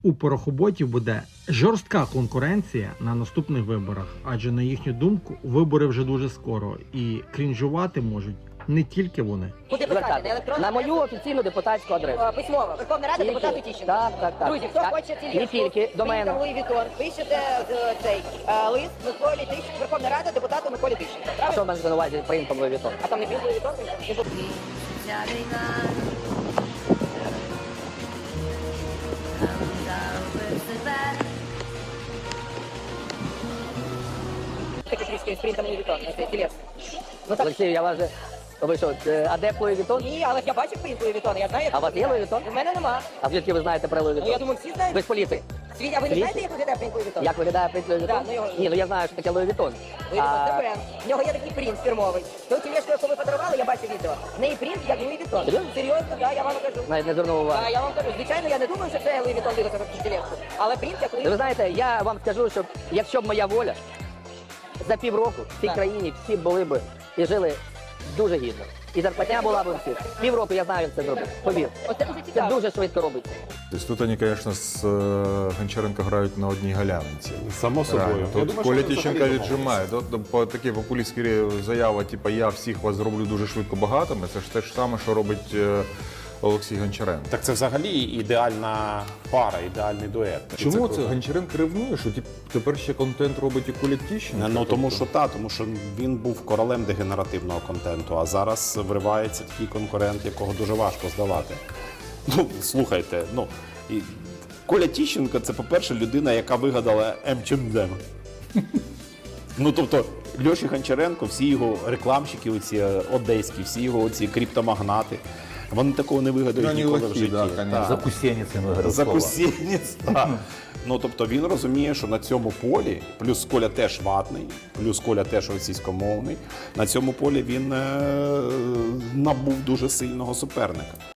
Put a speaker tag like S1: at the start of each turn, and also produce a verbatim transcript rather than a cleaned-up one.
S1: У порохоботів буде жорстка конкуренція на наступних виборах, адже на їхню думку вибори вже дуже скоро і крінжувати можуть не тільки вони.
S2: Куди писати? На електронну?
S3: На мою офіційну депутатську адресу.
S2: Е, Письмово. Верховна Рада,
S3: Тільки.
S2: депутату Тищенко.
S3: Так, так, так.
S2: Друзі, хто
S3: Так.
S2: хоче ці
S3: Не тільки, до мене.
S2: Луї Вітон, пишете е, цей е, лист Миколі Тищенко, Верховна Рада, депутату Миколі Тищенко.
S3: А
S2: Правильно?
S3: що маєш на увазі принтом Луї Вітон?
S2: А там не пів Луї Вітон? Такі трішки з принтом Луї Вітон на цей тілес. Ну так.
S3: Олексій, я вас же... Ви що, е, адепт Луї Вітон?
S2: Ні, але я бачив принт Луї Вітон, я знаю. як
S3: А у вас
S2: це
S3: є
S2: виглядає.
S3: Луї Вітон?
S2: У мене нема.
S3: А звідки ви знаєте про Луї
S2: Ну, я
S3: Вітон?
S2: думаю, всі знають.
S3: Ви з поліції.
S2: Свій, а ви не
S3: Світі?
S2: знаєте, як виглядає принт Луї Вітон?
S3: Як виглядає принт Луї Вітон?
S2: Да, ну його-
S3: Ні, ну я знаю, що таке Луї Вітон.
S2: Луї Вітон, це
S3: А,
S2: бренд. В нього є такий принт фірмовий. Ту тілешку, яку ви подарували, я бачив відео. В неї принт, як Луї Вітон.
S3: Серйозно?
S2: Серйозно, так, я вам кажу.
S3: навіть не звернув уваги.
S2: Так, я вам кажу. Звичайно, я не думаю, що це Луї Вітон виготовив цю тілешку. Але принт, як Луї
S3: Ви знаєте, я вам скажу, що якщо б моя воля, за півроку в цій
S2: Так.
S3: країні всі були б і жили дуже гідно. І зарплатня була б у всіх. Півроку я знаю, як це зробити. Повір.
S2: Оце дуже
S3: Це
S2: цікаво.
S3: дуже швидко робиться.
S4: То есть тут они, конечно, с э, Гончаренко грають на одній галявинці.
S5: Само собою.
S4: Реально.
S5: Я
S4: Тут
S5: думаю,
S4: Коля
S5: що вони
S4: Тищенко
S5: взагалі
S4: віджимає. Тут по такі популістські заяви, типу я всіх вас зроблю дуже швидко багатими, це ж те ж саме, що робить е, Олексій Гончаренко.
S5: Так це взагалі ідеальна пара, ідеальний дует. І
S4: Чому це
S5: круто.
S4: Гончаренко ревнує, що тип, тепер ще контент робить і Коля Тищенко?
S5: Ну тому
S4: Тобто-
S5: що та, тому що він був королем дегенеративного контенту, а зараз вривається такий конкурент, якого дуже важко здавати. Ну, слухайте, ну і Коля Тищенко це, по-перше, людина, яка вигадала ем ем ем. Ну тобто Льоші Гончаренко, всі його рекламщики, оці одеські, всі його оці криптомагнати. Вони такого не вигадають
S4: Ну, вони
S5: ніколи в
S4: лохи,
S5: житті.
S4: да, конечно.
S5: Так.
S6: Закусєнницями городского.
S5: Закусінець, так. Ну, тобто він розуміє, що на цьому полі, плюс Коля теж ватний, плюс Коля теж російськомовний, на цьому полі він е- набув дуже сильного суперника.